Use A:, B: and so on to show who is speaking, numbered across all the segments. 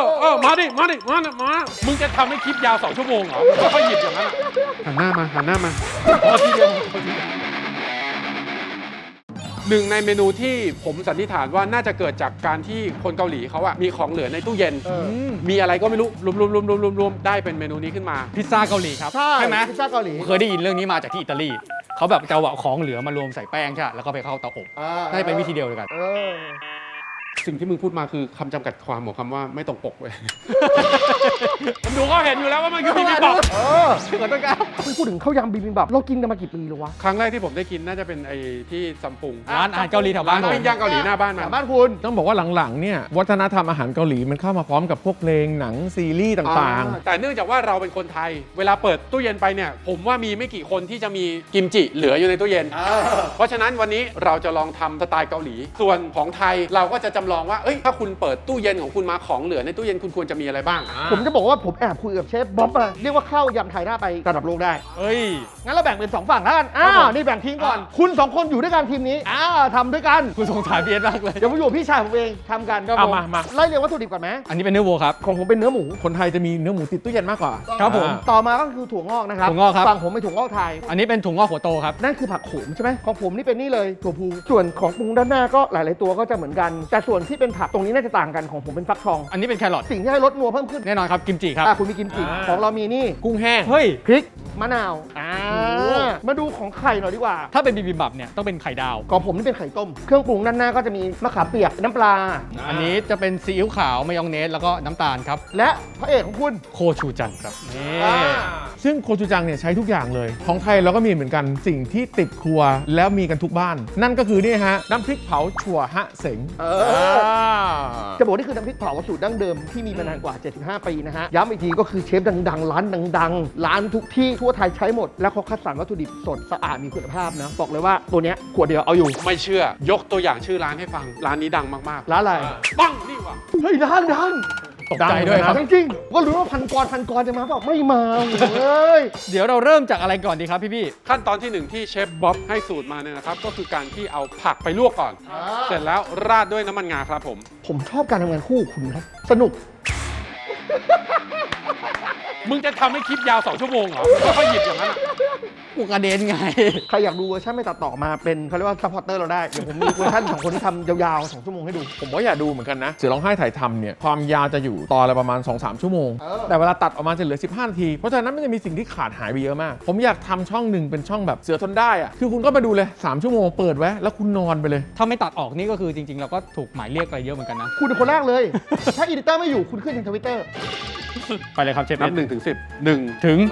A: มาดิมึงจะทำให้คลิปยาว2 ชั่วโมงเหรอค่อยหยิบอย่างนั้นหันหน้ามาพอทีเดียวหนึ่งในเมนูที่ผมสันนิษฐานว่าน่าจะเกิดจากการที่คนเกาหลีเขาอะมีของเหลือในตู้เย็นมีอะไรก็ไม่รู้รวมได้เป็นเมนูนี้ขึ้นมา
B: พิซซ่าเกาหลีครับใช่ไหม
C: พิซซ่าเกาหลี
B: เคยได้ยินเรื่องนี้มาจากที่อิตาลีเขาแบบจะเอาของเหลือมารวมใส่แป้งใช่แล้วก็ไปเข้าเตาอบน่าจะเป็นวิธีเดียวกัน
A: สิ่งที่มึงพูดมาคือคำจำกัดความของคำว่าไม่ตรงปกเว้ย ผมดูก็เห็นอยู่แล้วว่ามันคือบิบิมบับ
C: ขอโทษครับพูดถึงข้าวยำบิบิมบับเรากินกันมากี่ปีแล้ววะ
A: ครั้งแรกที่ผมได้กินน่าจะเป็นไอ้ที่ซัมปุง
B: ร้านอาหารเกาหลีแถวบ้าน
A: ปิ้งย่างเกาหลีหน้าบ้าน
C: บ้านคุณ
D: ต้องบอกว่าหลังๆเนี่ยวัฒนธรรมอาหารเกาหลีมันเข้ามาพร้อมกับพวกเพลงหนังซีรีส์ต่าง
A: ๆแต่เนื่องจากว่าเราเป็นคนไทยเวลาเปิดตู้เย็นไปเนี่ยผมว่ามีไม่กี่คนที่จะมีกิมจิเหลืออยู่ในตู้เย็นเพราะฉะนั้นวันนี้เราจะลองทำสไตล์เกาหลีส่วนของไทยเราก็จะจำลองว่าถ้าคุณเปิดตู้เย็นของคุณมาของเหลือในตู้เย็นคุณควรจะมีอะไรบ้าง
C: ผมจะบอกว่าผมแอบคุยกับเชฟบ๊อบมาเรียกว่าข้าวยำไทยน่าไประดับโลกได้งั้นเราแบ่งเป็น2ฝั่งแล้วกันนี่แบ่งทีมก่อนคุณ2คนอยู่ด้วยกันทีมนี้ทำด้วยกัน
B: คุณสงสารพี่เอสมากเลย
C: เดี๋ยวผมอยู่พี่ชายผมเองทำกันก็
D: มา
C: ไล่เรียงวัตถุดิบก่อนไหม
B: อันนี้เป็นเนื้อวัวครับ
C: ของผมเป็นเนื้อหมู
D: คนไทยจะมีเนื้อหมูติดตู้เย็นมากกว่า
B: ครับผม
C: ต่อมาก็คือถั่วงอกนะครับ
B: ถั่วงอกครับ
C: ฝั่งผมเป็นถั่วงอกไทย
B: อันนี้เป็นถั่วงอกหัวโตครับ
C: นั่นคือผักโขมใช่ไหมของผมนี่เป็นนี่เลยถั่วพูส่วนของปรุงด้านหน้าก็หลายๆตัวก็จะเหมือนกันแต่ส่วนที่เป็นผักตรงนี้น่าจะต่างกันของผมเป็นฟักทอง
B: อันนี้เป็นแครอท
C: สิ่งที่ให้รสนัวเพิ่มขึ้น
B: แน่นอนครับกิมจิครับ
C: คุณมีกิมจิของเรามีนี่
D: กุ้งแห้ง
C: เฮ้ยพริกมะนาวมาดูของไข่หน่อยดีกว่า
B: ถ้าเป็นบิบิมบับเนี่ยต้องเป็นไข่ดาว
C: ของผมนี่เป็นไข่ต้มเครื่องปรุงด้านหน้าก็จะมีมะขามเปียกน้ำปลา
B: อันนี้จะเป็นซีอิ๊วขาวมายองเนสแล้วก็น้ำตาลครับ
C: และพระเอกของคุณ
B: โคชูจังครับ
D: ซึ่งโคชูจังเนี่ยใช้ทุกอย่างเลยของไทยเราก็มีเหมือนกันสิ่งที่ติดครัวแล้วมีกันทุกบ้านนั่นก็คือนี่ฮะน้ำพริกเผาถั่วฮะเสง
C: จะบอกนี่คือน้ำพริกเผาสูตรดั้งเดิมที่มีมานานกว่า75 ปีนะฮะย้ำอีกทีก็คือเชฟดังๆร้านดังๆร้านทุกที่ทั่วไทยใช้หมดแล้วเขาคัดสรรวัตถุดิบสดสะอาดมีคุณภาพนะบอกเลยว่าตัวเนี้ยขวดเดียวเอาอยู่
A: ไม่เชื่อยกตัวอย่างชื่อร้านให้ฟังร้านนี้ดังมาก
C: ๆร้านอะไร
A: ปังนี่วะ
C: เฮ้ยดัง
B: ตกใจด้วยครับ
C: จริงๆก็รู้ว่าพันกรจะมาบอกไม่มาเลย
B: เดี๋ยวเราเริ่มจากอะไรก่อนดีครับพี่
A: ขั้นตอนที่1ที่เชฟบ๊อบให้สูตรมาเนี่ยนะครับก็คือการที่เอาผักไปลวกก่อนเสร็จแล้วราดด้วยน้ำมันงาครับ
C: ผมชอบการทำงานคู่คุณนะสนุก
A: มึงจะทำให้คลิปยาว2 ชั่วโมงเหรอค่อยหยิบอย่างนั้น
B: กูกระเด็นไง
C: ใครอยากดูเวอร์ชันไม่ตัดต่อมาเป็นเขาเรียกว่าซัพพอร์เตอร์เราได้เดี๋ยวผมมีเวอร์ชันของคนที่ทำยาวๆ2 ชั่วโมงให้ดู
D: ผมก็อยากดูเหมือนกันนะเสือร้องไห้ถ่ายทำเนี่ยความยาวจะอยู่ตอนละประมาณ 2-3 ชั่วโมงแต่เวลาตัดออกมาจะเหลือ15 นาทีเพราะฉะนั้นมันจะมีสิ่งที่ขาดหายไปเยอะมากผมอยากทำช่องหนึ่งเป็นช่องแบบเสือทนได้อะคือคุณก็มาดูเลย3 ชั่วโมงเปิดไว้แล้วคุณนอนไปเลย
B: ถ้าไม่ตัดออกนี่ก็คือจริงๆเราก็ถูกหมายเรียกอะไรเยอะเหมือนกันนะ
C: คุณเป็นคนแรกเลยถ้าอีดิเตอร์ไม่อยู่คุณขึ้นทาง Twitter
B: ไปเลยครับเชฟ
A: นับ1 ถึง 10 1
B: ถึง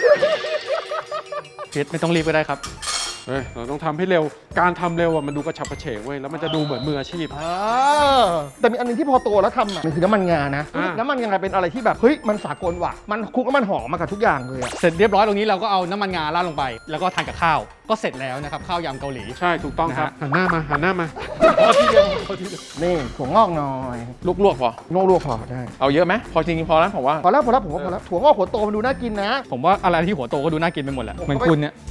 B: เชฟไม่ต้องรีบก็ได้ครับ
A: เราต้องทำให้เร็วการทำเร็วมันดูกระฉับกระเฉงเว้ยแล้วมันจะดูเหมือนมืออาชีพ
C: แต่มีอันนึงที่พอโตแล้วทำมันคือน้ำมันงานะน้ำมันงาเป็นอะไรที่แบบเฮ้ยมันสากลว่ะมันคลุกแล้วมันหอมมากับทุกอย่างเลย
B: เสร็จเรียบร้อยตรงนี้เราก็เอาน้ำมันงาราดลงไปแล้วก็ทานกับข้าวก็เสร็จแล้วนะครับข้าวยำเกาหลี
A: ใช่ถูกต้องครับหันหน้ามา
C: พอทีเดียวนี่ถั่วงอกหน่อย
D: ลวกพอ
C: ลวกพอได้
D: เอาเยอะไหมพอจริงพอแล้วผมว่า
C: พอแล้วผมว่าพอแล้วถั่วงอกหัวโตมันดูน่ากินนะ
B: ผมว่าอะไรที่หัวโตก็ดูน่ากินไปหมดแหละเหมือนคุณเนี่ย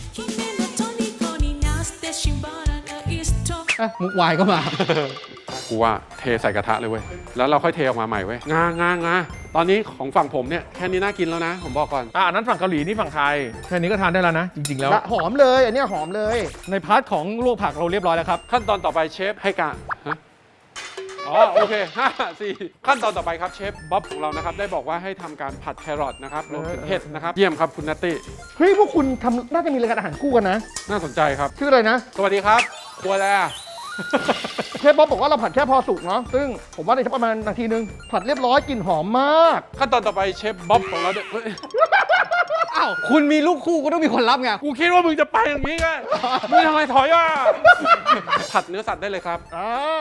B: มุกวายก็มา
A: กูว่าเทใส่กระทะเลยเว้ยแล้วเราค่อยเทออกมาใหม่เว้ยงาตอนนี้ของฝั่งผมเนี่ยแค่นี้น่ากินแล้วนะผมบอกก่อน
D: อันนั้นฝั่งเกาหลีนี่ฝั่งไทยแค่นี้ก็ทานได้แล้วนะจริงๆแล้ว
C: หอมเลยอันนี้หอมเลย
B: ในพาร์ทของลวกผักเราเรียบร้อยแล้วครับ
A: ขั้นตอนต่อไปเชฟให้การโอเค4ขั้นตอนต่อไปครับเชฟบ๊อบของเรานะครับได้บอกว่าให้ทำการผัดแครอทนะครับรวมถึงเห็ดนะครับเยี่ยมครับคุณนัตตี้
C: เฮ้ยพวกคุณทำน่าจะมีรายการอาหารคู่กันนะ
A: น่าสนใจครับ
C: ชื่ออะไรนะ
A: สวัสดีครับครัวแล้ว
C: เชฟบ๊อบบอกว่าเราผัดแค่พอสุกเนาะซึ่งผมว่าในประมาณนาทีนึงผัดเรียบร้อยกลิ่นหอมมาก
A: ขั้นตอนต่อไปเชฟบ๊อบของเรา
B: อ้าวคุณมีลูกคู่ก็ต้องมีคนรับไง
A: กูคิดว่ามึงจะไปอย่างนี้ไงมึงทำไมถอยอ่ะผัดเนื้อสัตว์ได้เลยครับ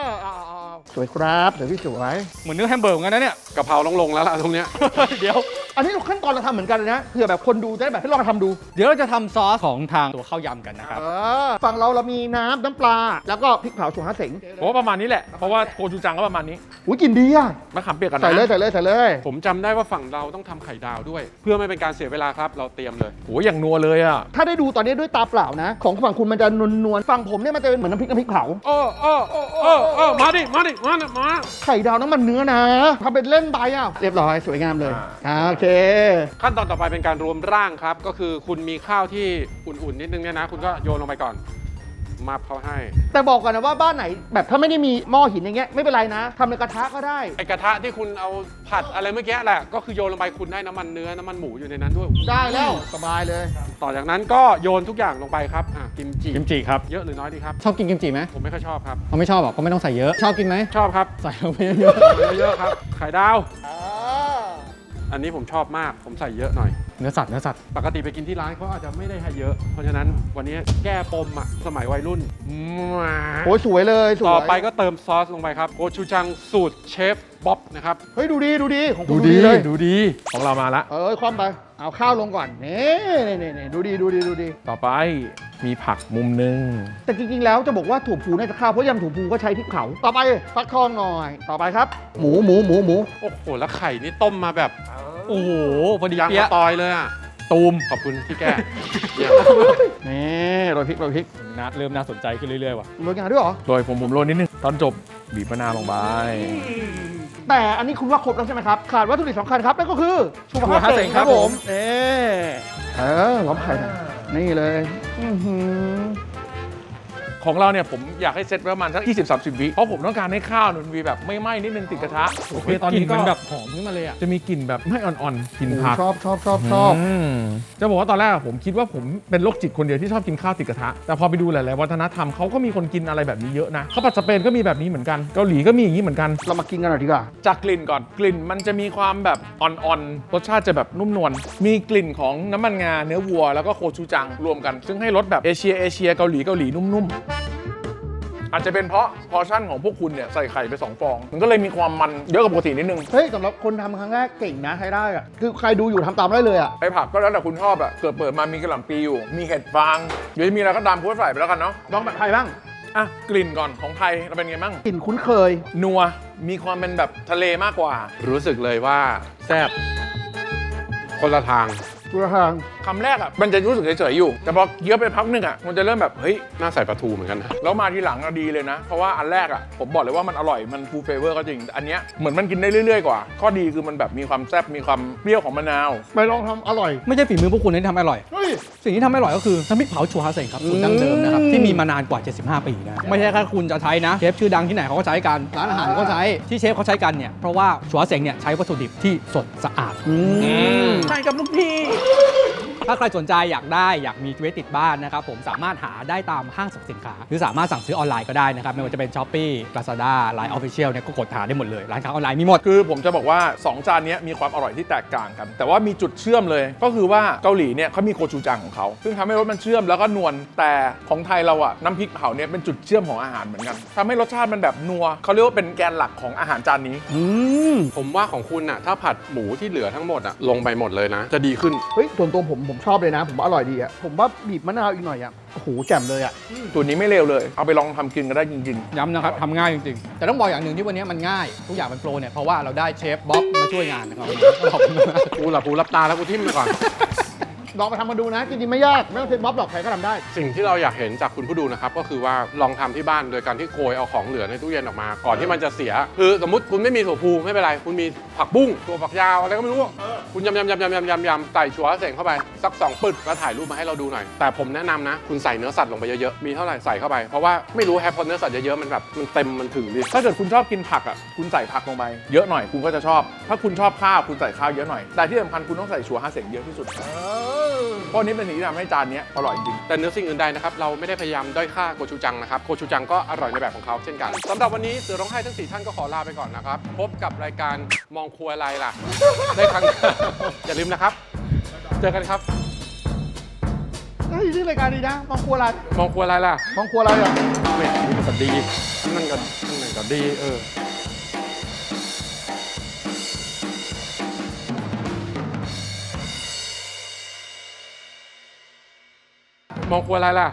C: สวยครับเดี๋ยวพี่สวย
B: เหมือนเนื้อแฮมเบอร์เหมือนกันนะเนี่ย
A: กะเพราลงแล้วล่ะตรงเนี้ย
B: เดี๋ยว
C: อันนี้ขั้นตอนเราทำเหมือนกันเลยนะเผื่อแบบคนดูจะได้แบบให้ลองทำดู
B: เดี๋ยวเราจะทำซอสของทางตัวข้าวยำกันนะครับ
C: ฝั่งเรามีน้ำปลาแล้วก็พริกเผาถั่วฮะเสง
D: ผมว่าประมาณนี้แหละ เพราะว่าโคจูจังก็ประมาณนี้
C: อุ้ยกลินดีอ่ะ
D: มะขามเปียกกันนะ
C: ใส่เลย
A: ผมจำได้ว่าฝั่งเราต้องทำไข่ดาวด้วย เพื่อไม่เป็นการเสียเวลาครับเราเตรียมเลย
D: โอ้ยอย่างนัวเลยอ่ะ
C: ถ้าได้ดูตอนนี้ด้วยตาเปล่านะ ของฝั่งคุณมันจะนวลๆฝั่งผมเนี่ยมันจะเป็นเหมือนน้ำพริกเผา
A: มาดิมา
C: ไข่ดาวน้ำมันเนื้อนะทำเป็นเล่นไปอ่ะเรียบร้อยสวยงามเลยโอเค
A: ขั้นตอนต่อไปเป็นการรวมร่างครับ ก็คือคุณมีข้าวที่อุ่นๆนิดนึงเนี่ยนะ คุณก็โยนลงไปก่อน มาเขาให้
C: แต่บอกก่อนนะว่าบ้านไหนแบบถ้าไม่ได้มีหม้อหินอย่างเงี้ยไม่เป็นไรนะทำในกระทะก็ได้
A: ไอกระทะที่คุณเอาผัดอะไรเมื่อกี้แหละ ก็คือโยนลงไปคุณได้น้ำมันเนื้อน้ำมันหมูอยู่ในนั้นด้วย
C: ได้แล้วสบายเลย
A: ต่อจากนั้นก็โยนทุกอย่างลงไปครับกิมจิ
B: กิมจิครับ
A: เยอะหรือน้อยดีครับ
B: ชอบกินกิมจิไหม
A: ผมไม่ค่อยชอบครับ
B: เขาไม่ชอบหรอกก็ไม่ต้องใส่เยอะ ชอบกินไหม
A: ชอบครับ
B: ใส่ลงไปเยอะ
A: เยอะๆครับ ไข่ดาว อันนี้ผมชอบมาก ผมใส่เยอะหน่อย
B: เนื้อสัตว์
A: ปกติไปกินที่ร้านเขาอาจจะไม่ได้ให้เยอะ เพราะฉะนั้นวันนี้แก้ปมสมัยวัยรุ่น
C: โอ้ยสวยเลยสวย
A: ต่อไปก็เติมซอสลงไปครับโกชูจังสูตรเชฟบ๊อบนะครับ
C: เฮ้ยดูดีของคุณเลย
A: ดูดี
D: ของเรามาละ
C: คว่ำไปเอาข้าวลงก่อนนี่ดูดี
D: ต่อไปมีผักมุมนึง
C: แต่จริงๆแล้วจะบอกว่าถั่วพูน่าจะข้าวเพราะยำถั่วพูก็ใช้พริกเผาต่อไปฟักทองหน่อยต่อไปครับ หมู
A: โอ้โห แล้วไข่นี่ต้มมาแบบ
B: โอ้โห พอดี
A: ยาง
B: เปี้ย
A: มะตอยเลยอ่ะ
D: ตูม
A: ขอบคุณที่แก้ เยี่ยม
C: นี่โรยพริก
B: เริ่มน่าสนใจขึ้นเรื่อยๆว่ะ
C: โรยงาด้วยเหรอ
D: โดยผมโรยนิดนึง ตอนจบบีบมะนาวลงไป
C: แต่อันนี้คุณว่าครบแล้วใช่ไหมครับขาดวัตถุดิบสำคัญครับนั่นก็คือชูมะพร้าวเสงครับผมล้อมไข่หน่อยนี่เลย
D: ของเราเนี่ยผมอยากให้เซตไว้ประมาณสัก20-30 วิเพราะผมต้องการให้ข้าวมันมีแบบไม่ไหม้นิดนึงติดกระทะ
B: โอเคตอนนี้มันแบบหอมขึ้นมาเลยอ่ะ
D: จะมีกลิ่นแบบไม่อ่อนๆกลิ่นผัก
C: ชอบ
D: จะบอกว่าตอนแรกผมคิดว่าผมเป็นโรคจิตคนเดียวที่ชอบกินข้าวติดกระทะแต่พอไปดูหลายๆวัฒนธรรมเขาก็มีคนกินอะไรแบบนี้เยอะนะข้าวผัดสเปนก็มีแบบนี้เหมือนกันเกาหลีก็มีอย่างนี้เหมือนกัน
C: เรามากินกันหน่อยดีกว่า
D: จากกลิ่นก่อนกลิ่นมันจะมีความแบบอ่อนๆรสชาติจะแบบนุ่มนวลมีกลิ่นของน้ำมันงาเนื้อวัวแล้วก็โคชูจังรวมกันซึ่งให้รสแบบเอเชียเกาหลีนุ่มๆอาจจะเป็นเพราะพอร์ชั่นของพวกคุณเนี่ยใส่ไข่ไป2 ฟองมันก็เลยมีความมันเยอะกว่าปกตินิดนึง
C: เฮ้ยสำหรับคนทำครั้งแรกเก่งนะใช้ได้อะคือใครดูอยู่ทำตามได้เลยอะ
D: ไอผักก็แล้วแต่คุณชอบอะเปิดมามีกระหล่ำปีอยู่มีเห็ดฟางหรือมีอะไรก็ตามพูดใส่ไปแล้วกันเนาะ
C: ลองแบบไทยบ้าง
D: อ่ะกลิ่นก่อนของไทยเราเป็นไงบ้าง
C: กลิ่นคุ้นเคย
D: นัวมีความเป็นแบบทะเลมากกว่า
A: รู้สึกเลยว่าแซ่บคนละทาง
C: ตัวทาง
D: คำแรกอะมันจะรู้สึกเฉยๆอยู่แต่พอเคี้ยวไปพักหนึงอะมันจะเริ่มแบบเฮ้ย
A: น่าใส่ปลาทูเหมือนกันนะ
D: แล้วมาทีหลังอะดีเลยนะ เพราะว่าอันแรกอะผมบอกเลยว่ามันอร่อยมันฟูลเฟเวอร์ก็จริงแต่อันเนี้ยเหมือนมันกินได้เรื่อยๆกว่าข้อดีคือมันแบบมีความแซ่บมีความเปรี้ยวของมะนาว
C: ไปลองทำอร่อย
B: ไม่ใช่ฝีมือพวกคุณที่ทำให้อร่อย
C: เฮ้ย
B: สิ่งที่ทำให้อร่อยก็คือน้ำพริกเผาชัวฮาเซ็งครับสูตรดั้งเดิมนะครับที่มีมานานกว่า 75 ปีนะไม่ใช่แค่คุณจะใช้นะเชฟชื่อดังที่ไหนเขาก็ใช้กันร้านอาหารก็ใช้ที่เชฟเขาใช้กันเนี่ยเพราะว่าชัวฮาเซ็งเนี่ยใช้วัตถุดิบที่สดสะอาด
D: ใช่กับลูกพี่
B: ถ้าใครสนใจอยากมีไว้ติดบ้านนะครับผมสามารถหาได้ตามห้างสรรพสินค้าหรือสามารถสั่งซื้อออนไลน์ก็ได้นะครับไม่ว่าจะเป็น Shopee Lazada Line Official เนี่ยก็กดหาได้หมดเลยร้านค้าออนไลน์มีหมด
D: คือผมจะบอกว่า 2 จานเนี้ยมีความอร่อยที่แตกต่างกัน แต่ว่ามีจุดเชื่อมเลย ก็คือว่าเกาหลีเนี่ยเขามีโคชูจังของเขาซึ่งทำให้รสมันเชื่อมแล้วก็นวลแต่ของไทยเราอะน้ำพริกเผาเนี่ยเป็นจุดเชื่อมของอาหารเหมือนกันทำให้รสชาติมันแบบนัวเขาเรียกว่าเป็นแกนหลักของอาหารจานนี้
A: ผมว่าของคุณน่ะถ้าผัดหมูที่เหลือทั้งหมดลงไปหมดเลยนะ จะดีขึ้น
C: เฮ้ยส่วนตัวผมชอบเลยนะ ผมว่าอร่อยดีอะผมว่าบีบมะนาวอีกหน่อยอะโอ้โหแจ่มเลยอะ
D: ตัวนี้ไม่เลวเลยเอาไปลองทำกินก็ได้จริง
B: ย้ำนะครับทำง่ายจริงๆ แต่ต้องบอกอย่างหนึ่งที่วันนี้มันง่าย ทุกอย่างเป็นโปรเนี่ยเพราะว่าเราได้เชฟบ๊อบมาช่วยงานนะครับขอบคุณมาก
A: กูหลับหูหลับตาแล้วกูทิ่มไปก่อน
C: ลองไปทำมาดูนะจริงๆไม่ยากไม่ต้องเซ็นบ๊อบหรอกใครก็ทำได้
A: สิ่งที่เราอยากเห็นจากคุณผู้ดูนะครับก็คือว่าลองทำที่บ้านโดยการที่โกยเอาของเหลือในตู้เย็นออกมา ก่อนที่มันจะเสีย คือสมมติคุณไม่มีถั่วพูไม่เป็นไร คุณมีผักบุ้งตัวฝักยาวอะไรก็ไม่รู้คุณยำใส่ชัวร์เสงเข้าไปสัก2 ปึกแล้วถ่ายรูปมาให้เราดูหน่อยแต่ผมแนะนำนะคุณใส่เนื้อสัตว์ลงไปเยอะๆมีเท่าไหร่ใส่เข้าไปเพราะว่าไม่รู้แฮปพอเนื้อสัตว์เยอะๆมันแบบมันเต็มมันถึงดิ
D: ๆ ถ้าเกิดคุณชอบกินผักอ่ะคุณใส่ผักลงไปเยอะหน่อยคุณก็จะชอบ ถ้าคุณชอบข้าวคุณใส่ข้าวเยอะหน่อยแต่ที่สำคัญคุณต้องใส่ชัวร์ฮาเซ็งเยอะที่สุดเพราะนี้เป็นสิ่งที่ทำให้จานนี้อร่อยจริง
A: แต่เนื้อสิ่งอื่นใดนะครับเราไม่ได้พยายามด้อยค่าโกชูจังนะครับโกชูจังก็อร่อยในแบบของเขาเช่นกันสำหรับวันนี้เสือร้องไห้ทั้ง4ท่านก็ขอลาไปก่อนนะครับพบกับรายการมองครัวอะไรล่ะได้ครั้ง อย่าลืมนะครับเจอกันครับ
C: เฮ้ยชื่อรายการดีนะมองครัวอะไร
A: มองครัวอะไรล่ะ
C: มองครัวอะไรอะ
A: เว้ยมันก็ดีนั่นก็ดีมองครัวอะไรล่ะ